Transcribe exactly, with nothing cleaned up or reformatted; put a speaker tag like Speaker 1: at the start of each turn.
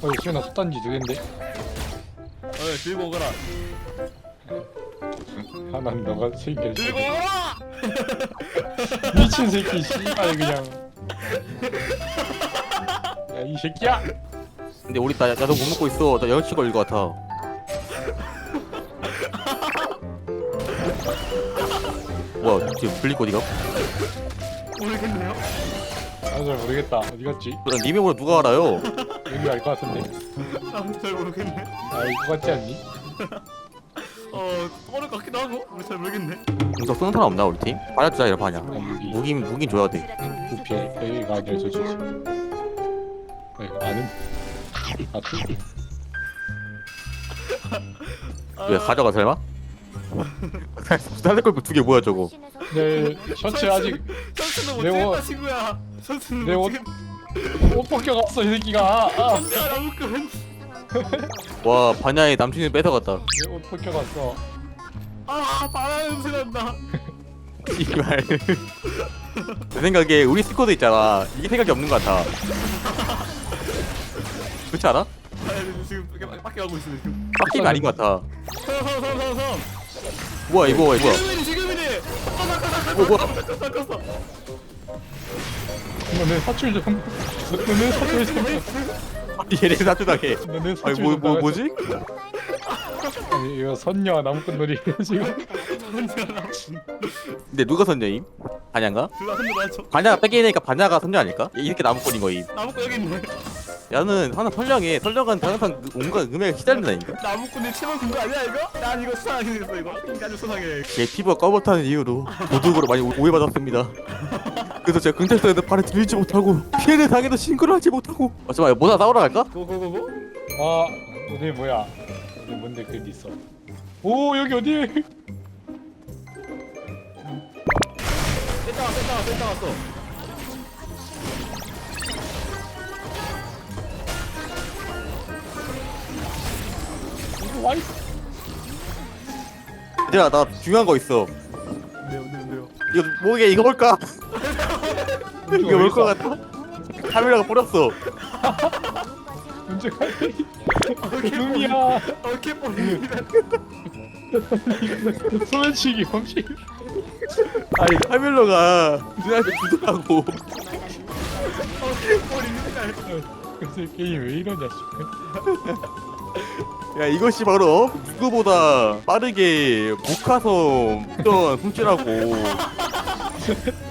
Speaker 1: 어 시원아 솥단지 두 갠데.
Speaker 2: 어 들고 오거라.
Speaker 1: 하나는 너가 챙겨.
Speaker 2: 들고 오거라.
Speaker 1: 미친 새끼 씨발 그냥. 야 이 새끼야.
Speaker 3: 근데 우리 나 나도 못 먹고 있어. 나 영치 걸릴 것 같아. 뭐야 지금 블링 어디가?
Speaker 2: 모르겠네요.
Speaker 1: 나도 잘 모르겠다. 어디 갔지?
Speaker 3: 난 님의 뭐 누가 알아요?
Speaker 1: 여기 알 것 같은데.
Speaker 2: 나도 잘 모르겠네.
Speaker 1: 알 것 같지 않니?
Speaker 2: 어 떠오를 것 같기도 하고. 우리 잘 모르겠네.
Speaker 3: 공석 쓰는 사람 없나 우리 팀? 반야 주자 이런 반야.
Speaker 1: 아, 무기.
Speaker 3: 무긴 무긴 줘야 돼.
Speaker 1: 부피에 여기가 아니라 저지. 네, 아는. 아, 투.
Speaker 3: 왜 가져가 설마? 살걸 두개 뭐야 저거?
Speaker 1: 네, 셔츠 아직
Speaker 2: 선수는 못
Speaker 1: 내
Speaker 2: 찍겠다
Speaker 1: 옷-
Speaker 2: 친구야. 선수는
Speaker 1: 내
Speaker 2: 못
Speaker 1: 옷-
Speaker 2: 찍겠다.
Speaker 1: 옷 벗겨갔어 이 새끼가. 아,
Speaker 2: 선수야 나무꾼.
Speaker 3: 와 반야의 남친을 뺏어갔다.
Speaker 1: 내 옷 벗겨갔어.
Speaker 2: 아 바람 냄새 난다.
Speaker 3: 이말. 내 생각에 우리 스쿼드 있잖아. 이게 생각이 없는 것 같아. 그렇지 않아?
Speaker 2: 아 지금 밖에 밖에 가고 있어 지금.
Speaker 3: 빡김이 아닌 것 같아.
Speaker 2: 서서서서서.
Speaker 3: 뭐야 이거 뭐야 이거.
Speaker 2: 지금이니 지금이니.
Speaker 3: 뭐 뭐야?
Speaker 2: 깎았어.
Speaker 1: 너네 사출 좀. 너네 사출 좀.
Speaker 3: 얘네 사주당해.
Speaker 1: 너네
Speaker 3: 아니
Speaker 1: 사출
Speaker 3: 뭐
Speaker 1: 좀.
Speaker 3: 뭐
Speaker 1: 나가자.
Speaker 3: 뭐지?
Speaker 1: 아니 이거 선녀 나무꾼 놀이 지금.
Speaker 3: 근데 누가 선녀임? 반야인가?
Speaker 2: 둘다 손으로 맞춰.
Speaker 3: 반야가 뺏기니까 반야가 선녀 아닐까? 이렇게 나무꾼인 거임.
Speaker 2: 나무꾼 여기 있네.
Speaker 3: 야는 하나 선량해. 선량한 항상 그 온갖 음악에 시달린다니까.
Speaker 2: 나무꾼이 치마 근거 아니야 이거? 난 이거 수상하게 생겼어 이거. 인간을 수상해.
Speaker 3: 제 피부가 검었다는 이유로 도둑으로 많이 오- 오해받았습니다. 그래서 제가 경찰서에도 발을 들이지 못하고 피해를 당해도 신고를 하지 못하고. 어 잠깐만 뭐다 싸우러 갈까?
Speaker 2: 고고고고.
Speaker 1: 아, 너네 뭐야? 너네 뭔데 그게 있어? 오 여기 어디?
Speaker 2: 뺐다 왔어 뺐다 왔어 뺐다 왔어.
Speaker 1: 이거 와 있어.
Speaker 3: 얘들아 나 중요한 거 있어.
Speaker 2: 네요 네요 네요.
Speaker 3: 이거 뭐게 이거 뭘까? 이거 뭘 것 같아? 카메라가 버렸어.
Speaker 1: 문제 갈비. 눈이야.
Speaker 2: 어깨 뽀입니다.
Speaker 1: 소매치기 혹시?
Speaker 3: 아니 카메라가 눈앞에 주더라고.
Speaker 2: 어깨 뽀입니다.
Speaker 1: 그래서 게임 왜 이러냐 싶어.
Speaker 3: 야 이것이 바로 누구보다 빠르게 목화섬 훔던 훔치라고.